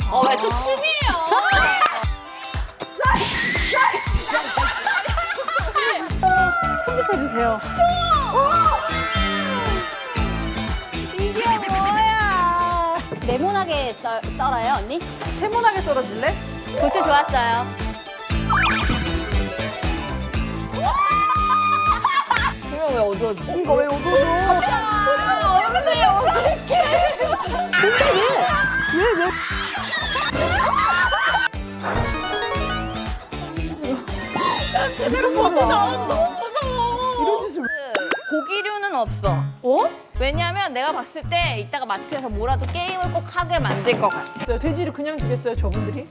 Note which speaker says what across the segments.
Speaker 1: 왜 또 춤이에요?
Speaker 2: 편집해주세요.
Speaker 1: 이게 뭐야?
Speaker 2: 네모나게 썰어요, 언니?
Speaker 3: 세모나게 썰어줄래?
Speaker 2: 도체 좋았어요.
Speaker 1: 조명 왜 어두워져?
Speaker 3: 이거 왜 어두워져?
Speaker 1: 얼굴이 어떡해.
Speaker 3: 제대로 보자.
Speaker 1: 너무 무서워.
Speaker 3: 이런 짓을
Speaker 1: 고기류는 없어. 왜냐면 내가 봤을 때 이따가 마트에서 뭐라도 게임을 꼭 하게 만들 것 같아.
Speaker 3: 왜 돼지를 그냥 주겠어요, 저분들이?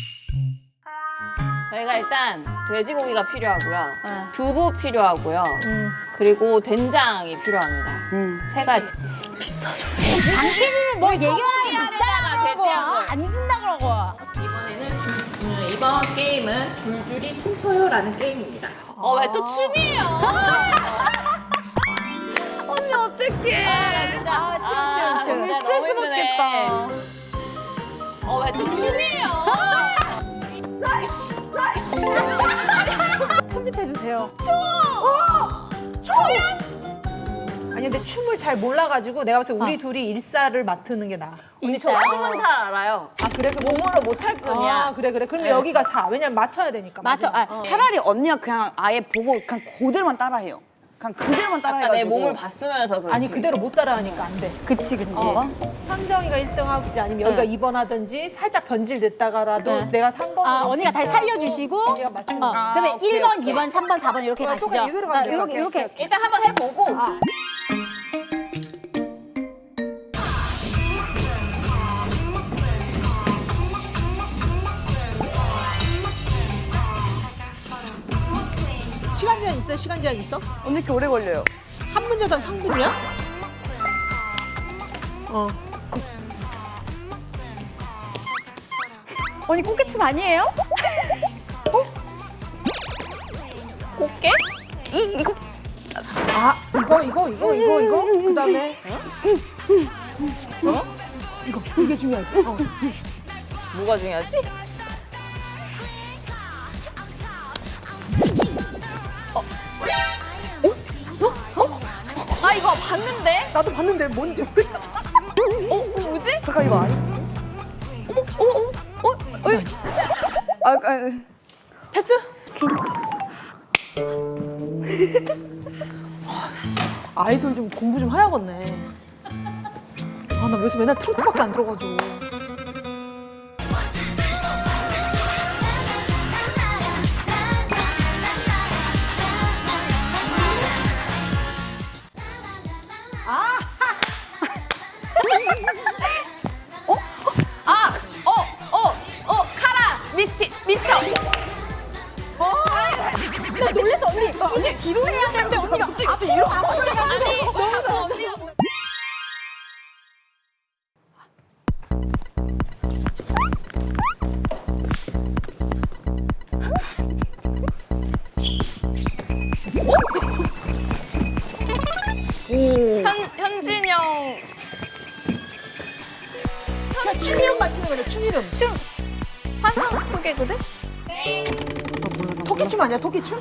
Speaker 1: 저희가 일단 돼지고기가 필요하고요. 두부 필요하고요. 그리고 된장이 필요합니다. 세 가지.
Speaker 2: 장기는 뭐 얘기하면
Speaker 1: 비싸다고
Speaker 2: 비싸다고
Speaker 1: 돼지하고.
Speaker 2: 안 준다 그러고.
Speaker 4: 이번 게임은 줄줄이 춤춰요라는 게임입니다.
Speaker 1: 왜 또 춤이에요?
Speaker 2: 언니 어떡해.
Speaker 1: 진짜.
Speaker 2: 춤. 언니
Speaker 1: 진짜
Speaker 2: 스트레스
Speaker 1: 너무 힘드네.
Speaker 2: 받겠다.
Speaker 1: 왜 또 춤이에요?
Speaker 2: 편집해주세요.
Speaker 3: 아니 근데 춤을 잘 몰라가지고 내가 봤을 때 우리 둘이 일사를 맡는 게 나아.
Speaker 1: 언니 저 춤은 잘 알아요.
Speaker 3: 아 그래? 그럼
Speaker 1: 몸으로 못할 뿐이야.
Speaker 3: 아 그래. 그러면 여기가 4. 왜냐면 맞춰야 되니까.
Speaker 5: 맞아.
Speaker 3: 마지막.
Speaker 5: 차라리 언니가 그냥 아예 보고 그냥 그대로만 따라해요. 그냥 그대로만
Speaker 1: 아까
Speaker 5: 따라해가지고.
Speaker 1: 내 몸을 봤으면서 그렇지.
Speaker 3: 아니 그대로 못 따라하니까 안 돼.
Speaker 5: 그치.
Speaker 3: 황정이가 1등하고 이제 아니면 여기가 2번 하든지 살짝 변질됐다가라도 내가 3번.
Speaker 2: 아, 언니가 다시 살려주시고.
Speaker 3: 언니가 맞추는 거야.
Speaker 2: 그러면
Speaker 5: 오케이,
Speaker 2: 1번,
Speaker 5: 오케이.
Speaker 2: 2번, 3번, 4번 이렇게 가시죠.
Speaker 3: 똑같이 이대로 가면 될것 같아.
Speaker 2: 이렇게.
Speaker 1: 일단 한번 해보고.
Speaker 3: 시간 제한 있어요? 시간 제한 있어?
Speaker 5: 언니 이렇게 오래 걸려요.
Speaker 3: 한 문제당 3분이야?
Speaker 2: 언니 꽃게춤 아니에요?
Speaker 1: 꽃게?
Speaker 3: 아 이거 그다음에 이게 중요하지.
Speaker 1: 뭐가 중요하지? 아 이거 봤는데?
Speaker 3: 나도 봤는데 뭔지 모르겠어.
Speaker 1: 뭐지?
Speaker 5: 잠깐 이거 아니?
Speaker 3: 패스? 아이돌 좀 공부 좀 해야겠네. 아 나 요새 맨날 트로트밖에 안 들어가지고.
Speaker 1: 카라 미스터.
Speaker 2: 나 놀래서 언니 뒤로 해야 되는데 언니가 앞에 이렇게
Speaker 1: 아니 자꾸 언니가 뭐. 현진영.
Speaker 3: 춤 이름 맞히는 거네. 춤 이름.
Speaker 1: 환상 속의 그대?
Speaker 3: 토끼춤 아니야? 토끼춤?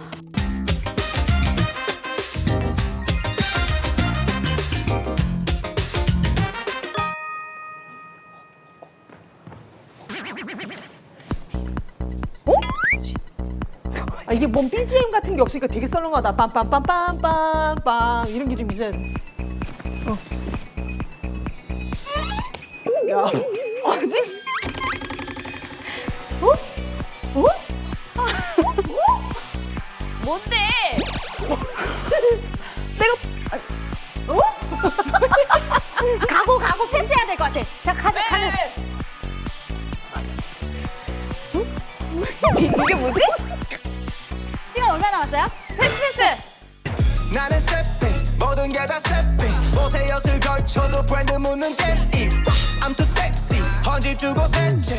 Speaker 3: 아, 이게 뭔 BGM 같은 게 없으니까 되게 썰렁하다. 빰빰빰빰빰빰 이런 게 좀 있어야 돼. 야. 어디?
Speaker 1: 뭔데?
Speaker 2: 가고 패스해야 될 것 같아. 자, 가자.
Speaker 1: 이게 뭐지?
Speaker 2: 시간 얼마 남았어요?
Speaker 1: 패스.
Speaker 6: 나는 세핑 모든 게 다 세핑 옷에 엿을 걸쳐도 브랜드 묻는 데님 I'm too sexy 헌집 주고 세채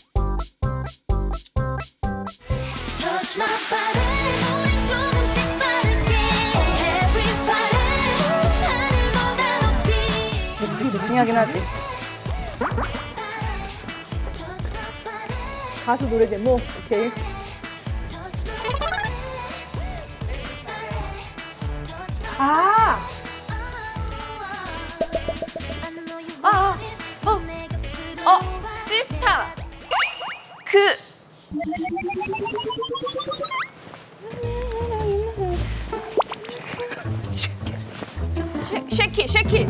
Speaker 7: Touch my body 우린 조금씩
Speaker 5: 중요하긴 하지.
Speaker 3: 가수 노래 제목. 오케이. 아,
Speaker 1: 시스타. 그. 쉐키.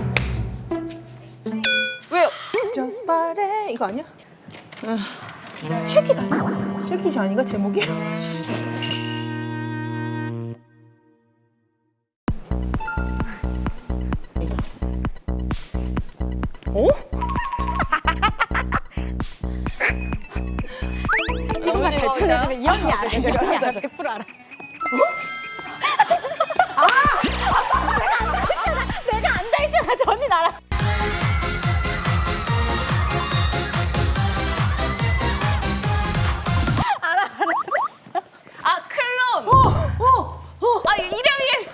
Speaker 1: 왜요?
Speaker 3: Just Party 이거 아니야?
Speaker 1: 쉐키가 아니야?
Speaker 3: 쉐킷이 아닌가 제목이?
Speaker 1: 너무 잘 표현해주면
Speaker 2: 이 언니 알아. 이 언니 알아. 100% 알아. 내가 안다 했잖아. 저 언니 알아.
Speaker 1: 아 클론. 아 이름이.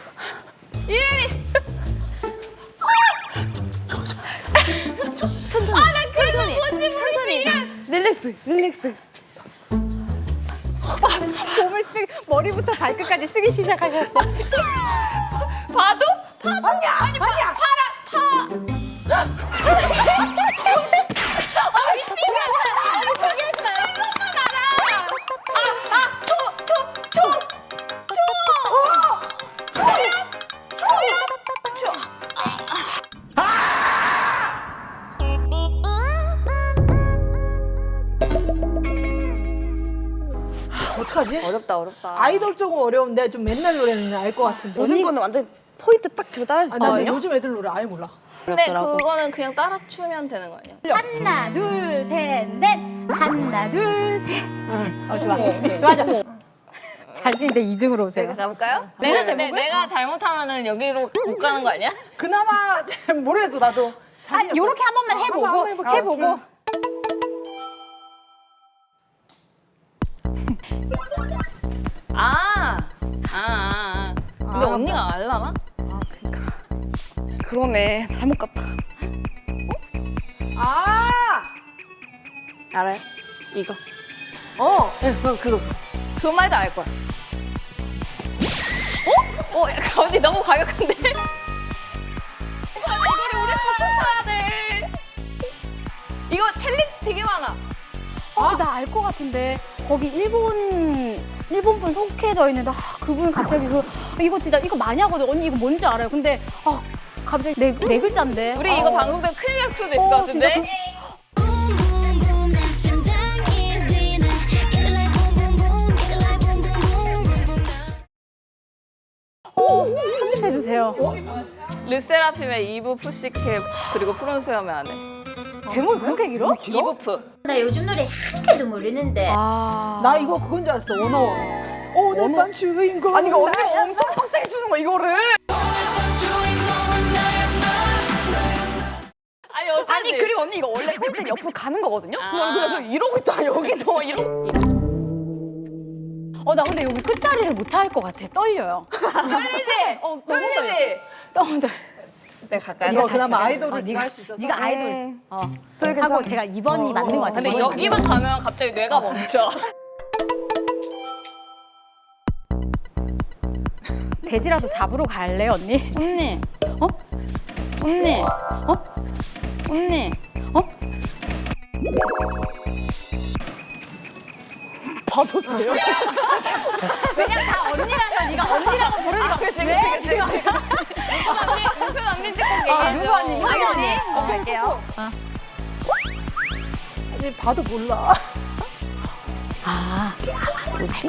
Speaker 1: 아나 그거 뭔지 모르겠어 이름.
Speaker 2: 릴렉스. 몸을 머리부터 발끝까지 쓰기 시작하셨어.
Speaker 1: 파도? 아니야. 아니 파라.
Speaker 3: 어떡하지?
Speaker 1: 어렵다.
Speaker 3: 아이돌 쪽은 어려운데 좀 맨날 노래는 알 것 같은데.
Speaker 5: 요즘 거는 완전 포인트 딱 집어 따라할 수
Speaker 3: 아, 나 근데
Speaker 5: 있거든요.
Speaker 3: 요즘 애들 노래 아예 몰라.
Speaker 1: 근데 그거는 그냥 따라 추면 되는 거 아니야?
Speaker 2: 하나, 둘, 셋, 넷. 하나, 둘, 셋. 좋아. 자신인데 2등으로 오세요.
Speaker 1: 내가 가볼까요?
Speaker 2: 내가
Speaker 1: 근데
Speaker 2: 제목을?
Speaker 1: 내가 잘못하면은 여기로 못 가는 거 아니야?
Speaker 5: 그나마 잘 모르겠어 나도.
Speaker 2: 요렇게 한 번만 해보고.
Speaker 3: 한번 해볼게요.
Speaker 2: 해보고.
Speaker 1: 근데 언니가 알라나?
Speaker 5: 그러네 잘못 갔다.
Speaker 1: 알아요? 이거.
Speaker 3: 네, 그거.
Speaker 1: 그 말도 알 거야. 약간 언니 너무 과격한데? 이거를 우리 같이 써야 돼. 이거 챌린지 되게 많아.
Speaker 2: 나 알 것 같은데. 거기 일본 분 속해져 있는데 그분 갑자기 이거 진짜 이거 많이 하거든. 언니 이거 뭔지 알아요? 근데 갑자기 네 글자인데.
Speaker 1: 우리 이거 방송되면 큰일 날 수도 있을 것 같은데?
Speaker 2: 진짜 편집해주세요.
Speaker 1: 르세라핌의 이브 푸시캡 그리고 푸른 수염의 아내.
Speaker 2: 제목이 그렇게 길어?
Speaker 1: 이브프.
Speaker 7: 나 요즘 노래 한 개도 모르는데.
Speaker 3: 나 이거 그건 줄 알았어. 원어원. 오늘 밤 주인공.
Speaker 5: 아니 이거 언니가 엄청 빡세게 주는 거 이거를.
Speaker 1: 아니 어쩌지?
Speaker 5: 아니 그리고 언니 이거 원래 포인트 옆으로 가는 거거든요. 나 그래서 이러고 있잖아 여기서 이러고.
Speaker 2: 나 근데 여기 끝자리를 못 할 것 같아. 떨려요.
Speaker 1: 떨리지?
Speaker 2: 너무
Speaker 1: 떨리지?
Speaker 2: 떨려.
Speaker 1: 내가 가까이
Speaker 3: 이거
Speaker 1: 가서
Speaker 3: 그나마
Speaker 1: 다시
Speaker 3: 아이돌을
Speaker 2: 네가
Speaker 3: 할 수 있어서.
Speaker 2: 네가 아이돌.
Speaker 5: 저기
Speaker 2: 하고
Speaker 5: 괜찮아.
Speaker 2: 제가 2번이 맞는 것 같아.
Speaker 1: 근데 여기만 가면 갑자기 뇌가 멈춰.
Speaker 2: 돼지라도 잡으러 갈래 언니?
Speaker 5: 언니. 언니. 언니. 봐도 돼요?
Speaker 2: 그냥 다 언니라서 네가 언니라고 부르니까
Speaker 5: 그치.
Speaker 1: 무슨 언니인지 꼭 얘기해줘.
Speaker 2: 누구 언니? 이거 언니? 갈게요.
Speaker 3: 아니, 봐도 몰라.
Speaker 2: 뭐지?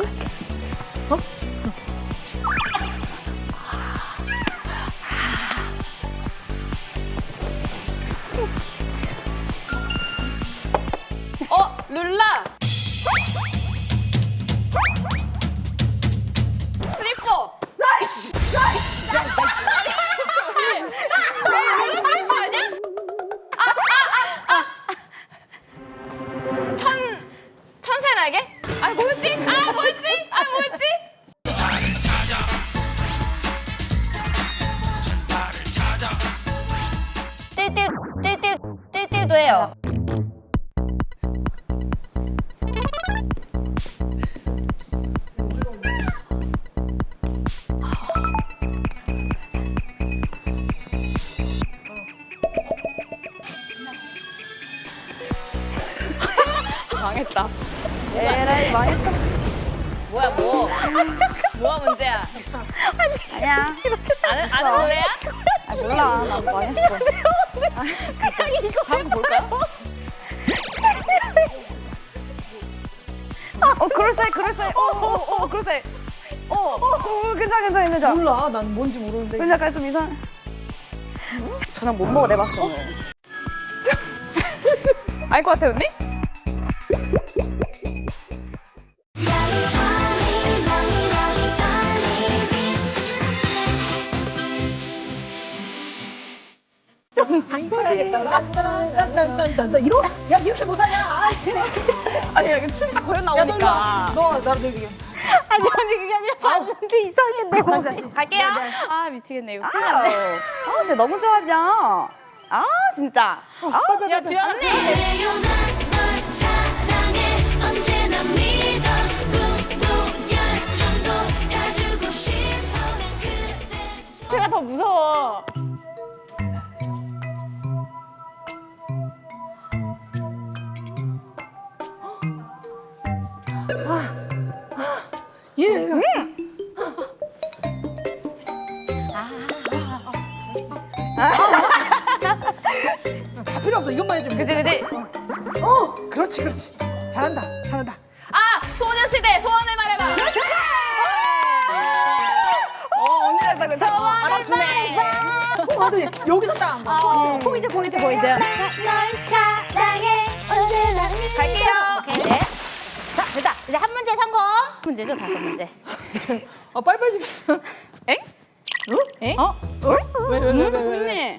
Speaker 1: 룰라. 슬리퍼. 나이스. 슬리퍼 아니야? 천사의 날개? 뭐였지? 뭐였지?
Speaker 5: 갈게요. 망했다. 에라이 망했다.
Speaker 1: 뭐야 뭐? 뭐가 문제야?
Speaker 5: 아니야.
Speaker 1: 아는 노래야?
Speaker 5: 아 몰라. 나 망했어. 아 진짜.
Speaker 1: 한번 볼까요?
Speaker 5: 그럴싸해. 그럴싸해. 괜찮아.
Speaker 3: 몰라. 난 뭔지 모르는데.
Speaker 5: 근데 약간 좀 이상. 저는 못 먹어 내봤어 오늘. 알 것 같아 언니?
Speaker 3: 이러? 야 이렇게 못하냐? 아, 제발.
Speaker 5: 아니 이렇게 침이 딱 거려 나오니까.
Speaker 3: 너 나를 얘기해.
Speaker 2: 아니 언니 그게 아니라 봤는데 이상해 내 몸이.
Speaker 5: 갈게요.
Speaker 2: 아 미치겠네 이거.
Speaker 5: 쟤 너무 좋아하죠? 아 진짜.
Speaker 1: 야 주연아.
Speaker 2: 제가 더 무서워.
Speaker 3: 예. 다 필요 없어. 이것만 해주면 돼.
Speaker 5: 그지.
Speaker 3: 그렇지. 잘한다.
Speaker 1: 아 소녀시대 소원을 말해봐.
Speaker 5: 언니 잘다 그랬어. 알아주네.
Speaker 3: 근데 여기서 딱 안 봐.
Speaker 2: 포인트.
Speaker 7: 널 사랑해 언제나
Speaker 5: 갈게요.
Speaker 2: 오케이 네. 자 됐다. 이제 한 문제 성공. 문제죠 다섯 문제.
Speaker 3: 빨리빨리 좀.
Speaker 5: 엥?
Speaker 2: 에?
Speaker 3: 왜?
Speaker 5: 언니.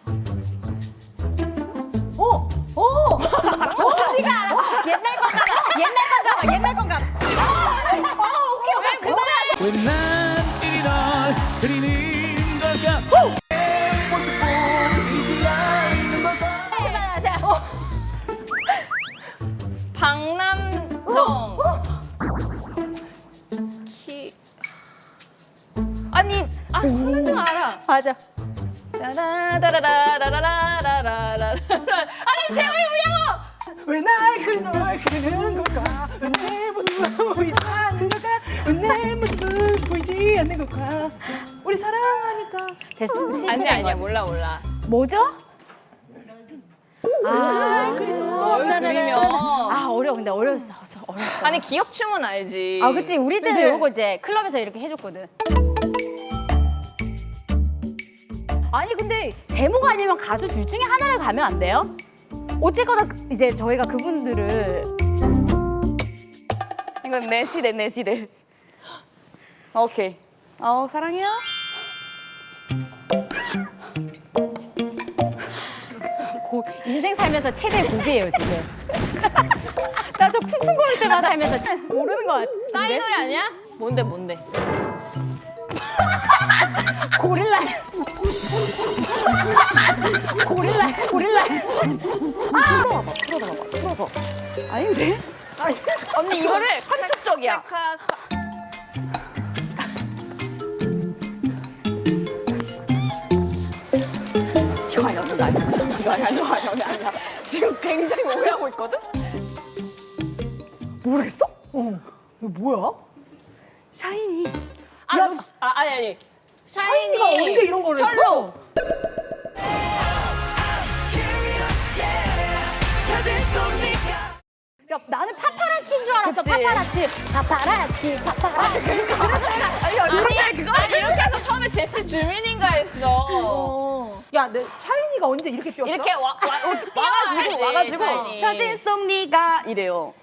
Speaker 2: 옛날 건가 봐.
Speaker 6: 왜난 이널 그리는 걸까 모습 보이지 않는 걸까
Speaker 1: 박남정. 아니 박남정 알아.
Speaker 2: 맞아.
Speaker 1: 라라라라라라라라라라. 아니 재호이 뭐냐고?
Speaker 3: 왜 날 그리는 걸까? 왜 내 모습을 보이지 않는 걸까? 왜 내 모습을 보이지 않는 걸까? 우리 사랑하니까.
Speaker 2: 됐어.
Speaker 1: 아니야 몰라.
Speaker 2: 뭐죠? 아
Speaker 1: 널 그리면.
Speaker 2: 아 어려워 근데 어려웠어.
Speaker 1: 아니 기억춤은 알지.
Speaker 2: 아 그치 우리 때는
Speaker 3: 네.
Speaker 2: 요거 이제 클럽에서 이렇게 해줬거든. 아니 근데 제목 아니면 가수 둘 중에 하나를 가면 안 돼요? 어쨌거나 이제 저희가 그분들을
Speaker 5: 이건 내 시대. 오케이. 사랑해요.
Speaker 2: 인생 살면서 최대 고비예요 지금. 나 저 쿵쿵거릴 때마다 하면서 모르는 것 같은데.
Speaker 1: 싸이 노래 아니야? 뭔데?
Speaker 2: 고릴라.
Speaker 5: 풀어서. 아닌데? 언니 이거를 함축적이야. 이거 아니야. 지금 굉장히 오해하고 있거든? 모르겠어?
Speaker 3: 이거 뭐야?
Speaker 5: 샤이니.
Speaker 1: 아니.
Speaker 3: 샤이니가 언제 이런 걸 했어?
Speaker 1: 철로.
Speaker 2: 야 나는 파파라치인 줄 알았어.
Speaker 5: 그치.
Speaker 2: 파파라치.
Speaker 1: 아니 이렇게 해서 처음에 제시 주민인가 했어.
Speaker 3: 야, 내 샤이니가 언제 이렇게 뛰었어?
Speaker 1: 이렇게
Speaker 5: 와가지고
Speaker 1: 샤이니.
Speaker 5: 사진 속 네가 이래요.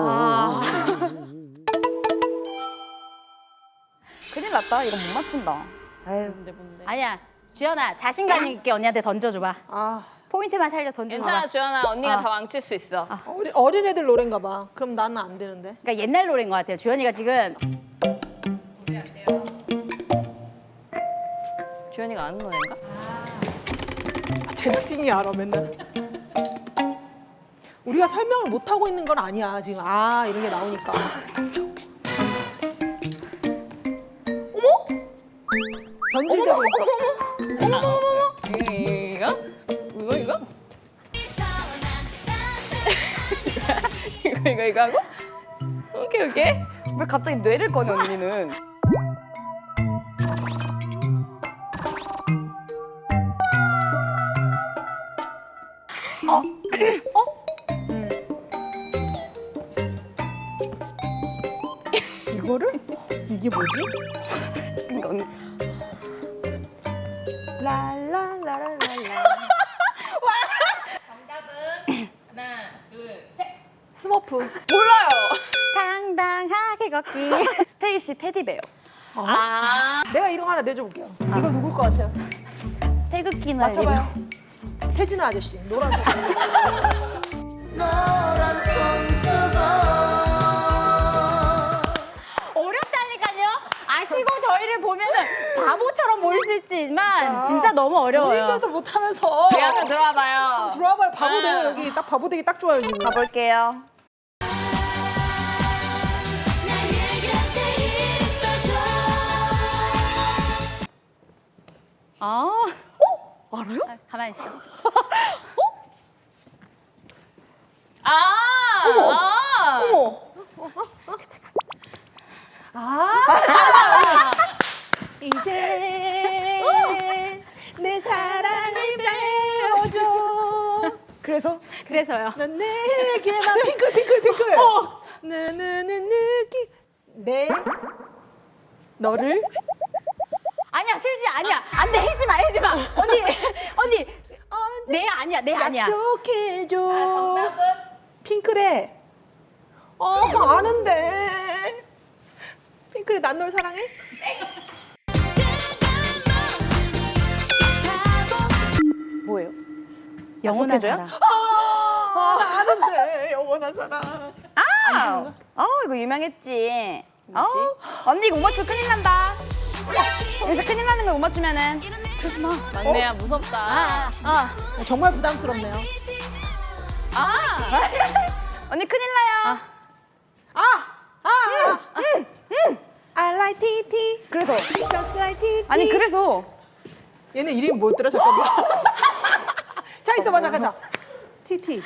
Speaker 5: 큰일 났다. 이거 못 맞춘다. 에휴.
Speaker 2: 아니야 주연아 자신감 있게 언니한테 던져줘봐. 포인트만 살려 던져줘봐.
Speaker 1: 괜찮아 주연아 언니가 다 망칠 수 있어.
Speaker 3: 어린애들 노래인가 봐. 그럼 나는 안 되는데.
Speaker 2: 그러니까 옛날 노래인 것 같아요. 주연이가 지금
Speaker 1: 주연이가 아는 노래인가?
Speaker 3: 제작진이 알아, 맨날. 우리가 설명을 못 하고 있는 건 아니야 지금. 아 이런 게 나오니까. 어머? 변질되고 있어.
Speaker 1: 이거? 이거 하고? 오케이.
Speaker 5: 왜 갑자기 뇌를 꺼내 언니는?
Speaker 3: 이거를? 이게 뭐지?
Speaker 5: 그러니까 언니
Speaker 3: 랄랄라랄랄라.
Speaker 4: 정답은 하나, 둘, 셋.
Speaker 3: 스머프.
Speaker 1: 몰라요.
Speaker 5: 당당하게 걷기. 스테이시 테디베어.
Speaker 1: 아,
Speaker 3: 내가 이런 거 하나 내줘볼게요. 이거 누굴 것 같아요?
Speaker 5: 태극기
Speaker 3: 맞춰봐요.
Speaker 5: 날리는.
Speaker 3: 태진아 아저씨. 노란
Speaker 2: 어렵다니까요. 아시고 저희를 보면은 바보처럼 보일 수 있지만 진짜 너무 어려워요.
Speaker 3: 본인들도 못하면서.
Speaker 1: 우리 한번 들어와봐요.
Speaker 3: 들어와봐요. 바보
Speaker 1: 아.
Speaker 3: 되고 여기 딱 바보 되기 딱 좋아요 지금.
Speaker 5: 가볼게요.
Speaker 2: 아, 알아요? 가만히 있어.
Speaker 5: 어머.
Speaker 3: 이제 내 사랑을 배워줘.
Speaker 2: 그래서요.
Speaker 3: 넌 내게만 핑클. 느느느 느낌 내 너를
Speaker 2: 아니야, 슬지 아니야. 안 돼, 해지 마. 언니.
Speaker 3: 언제
Speaker 2: 내 아니야.
Speaker 3: 약속해줘.
Speaker 4: 정답은
Speaker 3: 핑클의 아는데 핑클의 난 널 사랑해?
Speaker 5: 뭐예요?
Speaker 2: 영원한
Speaker 5: 약속해줘요?
Speaker 2: 사랑.
Speaker 3: 나 아는데 영원한 사랑.
Speaker 5: 이거 유명했지. 언니 이거 못 맞추면 큰일 난다. 여기서 큰일 나는 거 못 맞추면은.
Speaker 1: 막내야 무섭다.
Speaker 3: 정말 부담스럽네요.
Speaker 5: 언니 큰일 나요.
Speaker 3: I like TT.
Speaker 5: 그래서
Speaker 3: Just like TT.
Speaker 5: 아니 그래서
Speaker 3: 얘네 이름이 뭐였더라 잠깐만. 자 있어봐 잠깐. TT.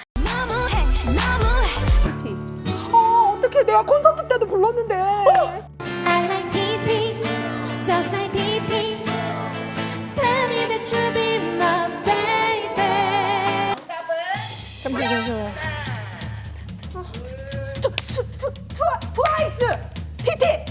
Speaker 3: TT. 어떡해 내가 콘서트 때도 불렀는데.
Speaker 6: I like TT, just like TT. Tell me that you'll be my baby.
Speaker 3: 잠시만요. 트와이스 TT.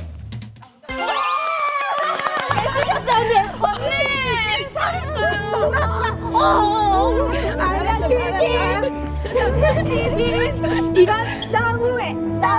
Speaker 3: I like TT, just like TT. 이건 너무해.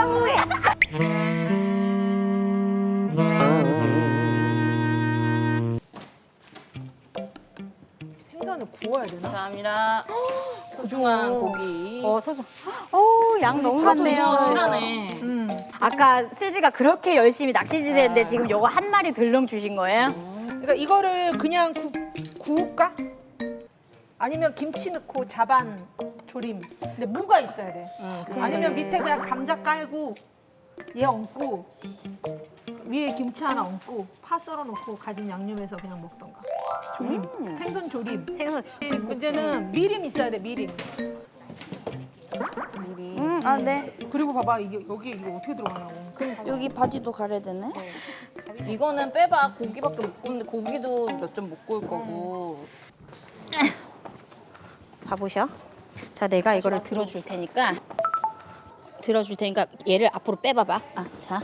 Speaker 3: 생선을 구워야 되나?
Speaker 1: 감사합니다. 소중한 고기.
Speaker 2: 소중. 양 너무 많네요.
Speaker 1: 실하네.
Speaker 2: 아까 슬지가 그렇게 열심히 낚시질 했는데 지금 요거 한 마리 들렁 주신 거예요?
Speaker 3: 그러니까 이거를 그냥 구울까? 아니면 김치 넣고 자반 조림. 근데 무가 있어야 돼. 아니면 밑에 그냥 감자 깔고 얘 얹고 위에 김치 하나 얹고 파 썰어 놓고 가진 양념해서 그냥 먹던가. 조림. 생선 조림.
Speaker 2: 생선.
Speaker 3: 문제는 미림 있어야 돼. 미림.
Speaker 5: 네.
Speaker 3: 그리고 봐봐 이게 여기 이거 어떻게 들어가냐고.
Speaker 5: 여기 바지도 가려야 되네.
Speaker 1: 이거는 빼봐. 고기밖에 못 굽는데 고기도 몇 점 못 구울 거고.
Speaker 2: 봐보셔. 자, 내가 이거를 들어줄 테니까 얘를 앞으로 빼봐봐. 자.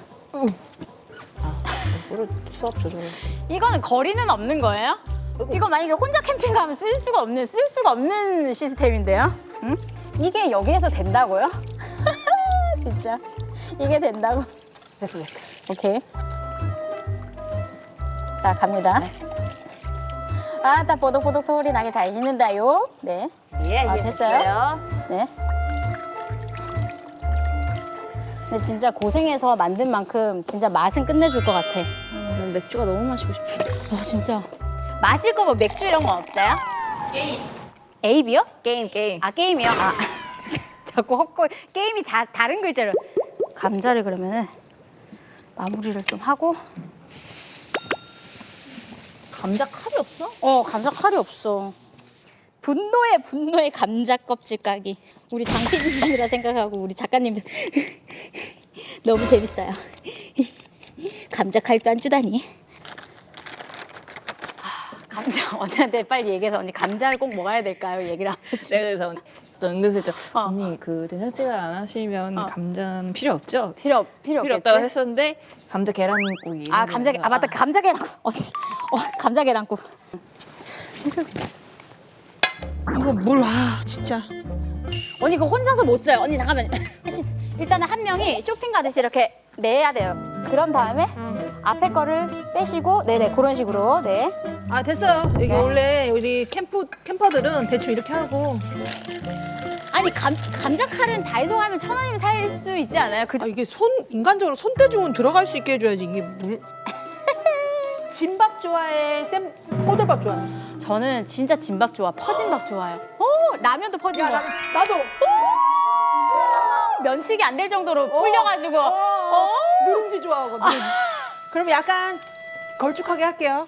Speaker 1: 수압 조절.
Speaker 2: 이거는 거리는 없는 거예요? 이거 만약에 혼자 캠핑 가면 쓸 수가 없는 시스템인데요? 응? 이게 여기에서 된다고요? 진짜 이게 된다고? 됐어. 오케이. 자, 갑니다. 다 보독보독 소리 나게 잘 씻는다요. 네. 됐어요. 네. 근데 진짜 고생해서 만든 만큼 진짜 맛은 끝내줄 것 같아.
Speaker 1: 맥주가 너무 마시고 싶어.
Speaker 2: 진짜. 마실 거 뭐 맥주 이런 거 없어요? 게임. 에이비요?
Speaker 1: 게임.
Speaker 2: 게임이요? 자꾸 헛걸 게임이 다른 글자를. 감자를 그러면은 마무리를 좀 하고.
Speaker 1: 감자 칼이 없어?
Speaker 2: 감자 칼이 없어. 분노의 감자 껍질 까기. 우리 장PD님이라 생각하고 우리 작가님들 너무 재밌어요. 감자 칼도 안 주다니. 감자 언니한테 빨리 얘기해서 언니 감자를 꼭 먹어야 될까요? 얘기를 하고.
Speaker 1: 내가 그래서 또 은근슬쩍
Speaker 2: 어.
Speaker 1: 언니 그 된장찌개를 안 하시면 감자는 필요 없죠?
Speaker 2: 필요
Speaker 1: 필요 없다고 했었는데 감자 계란국이
Speaker 2: 맞다 감자 계란국. 감자 계란국.
Speaker 3: 이거 물, 진짜.
Speaker 2: 언니 그거 혼자서 못 써요. 언니 잠깐만요. 일단은 한 명이 쇼핑 가듯이 이렇게 내야 돼요. 그런 다음에 앞에 거를 빼시고 네네 그런 식으로 네.
Speaker 3: 아, 됐어요. 이게 원래 우리 캠퍼들은 대충 이렇게 하고.
Speaker 2: 아니 감자 칼은 다이소 가면 1,000원이면 살 수 있지 않아요? 그죠?
Speaker 3: 이게 인간적으로 손대중은 들어갈 수 있게 해줘야지. 이게 물. 진밥 좋아해? 꼬들밥 좋아해?
Speaker 2: 저는 진짜 진밥 좋아. 퍼진 밥 좋아해요. 라면도 퍼진 거.
Speaker 3: 나도.
Speaker 2: 면식이 안 될 정도로 불려가지고.
Speaker 3: 누룽지 좋아하고, 누룽지. 그럼 약간 걸쭉하게 할게요.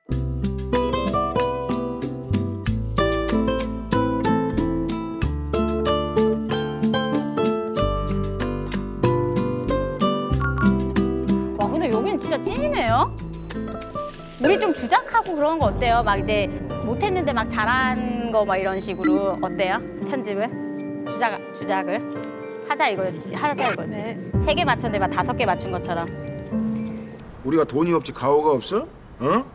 Speaker 2: 와 근데 여기는 진짜 찐이네요. 우리 좀 주작하고 그런 거 어때요? 막 이제 못했는데 막 잘한 거 막 이런 식으로 어때요? 편집을? 주작을 하자 이거지.
Speaker 3: 네.
Speaker 2: 3개 맞췄는데 막 5개 맞춘 것처럼.
Speaker 8: 우리가 돈이 없지 가오가 없어? 어?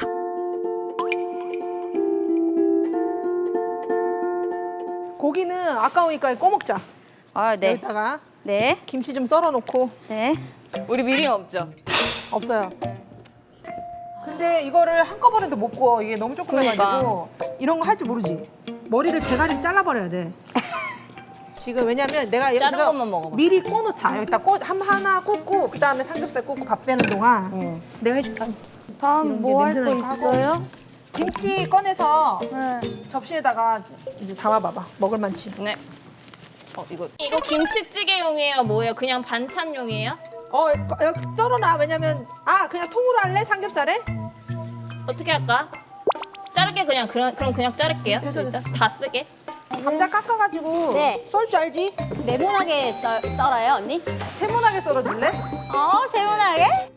Speaker 3: 고기는 아까우니까 꺼먹자.
Speaker 2: 아 네.
Speaker 3: 여기다가
Speaker 2: 네.
Speaker 3: 김치 좀 썰어놓고.
Speaker 2: 네.
Speaker 1: 우리 미림 없죠?
Speaker 3: 없어요. 근데 이거를 한꺼번에도 못 구워. 이게 너무 조그매가지고 이런 거 할 줄 모르지. 머리를 대가리를 잘라버려야 돼. 지금 왜냐면 내가
Speaker 1: 자른
Speaker 3: 여기서
Speaker 1: 것만 먹어봐.
Speaker 3: 미리 꺼놓자. 여기다 하나 굽고 그 다음에 삼겹살 굽고 밥 되는 동안 내가 해줄게.
Speaker 5: 다음 뭐 할 거
Speaker 3: 냄새 나니까 하고.
Speaker 5: 있어요?
Speaker 3: 김치 꺼내서
Speaker 5: 네.
Speaker 3: 접시에다가 이제 담아봐봐. 먹을 만치.
Speaker 1: 네. 이거 김치찌개용이에요? 뭐예요? 그냥 반찬용이에요?
Speaker 3: 여기 썰어놔. 왜냐면 그냥 통으로 할래? 삼겹살에?
Speaker 1: 어떻게 할까? 자를게 그냥 그럼 그냥 자를게요.
Speaker 3: 됐어,
Speaker 1: 일단. 다 쓰게.
Speaker 3: 감자 깎아가지고
Speaker 2: 네.
Speaker 3: 썰 줄 알지?
Speaker 2: 네모나게 썰어요 언니?
Speaker 3: 세모나게 썰어줄래?
Speaker 2: 세모나게?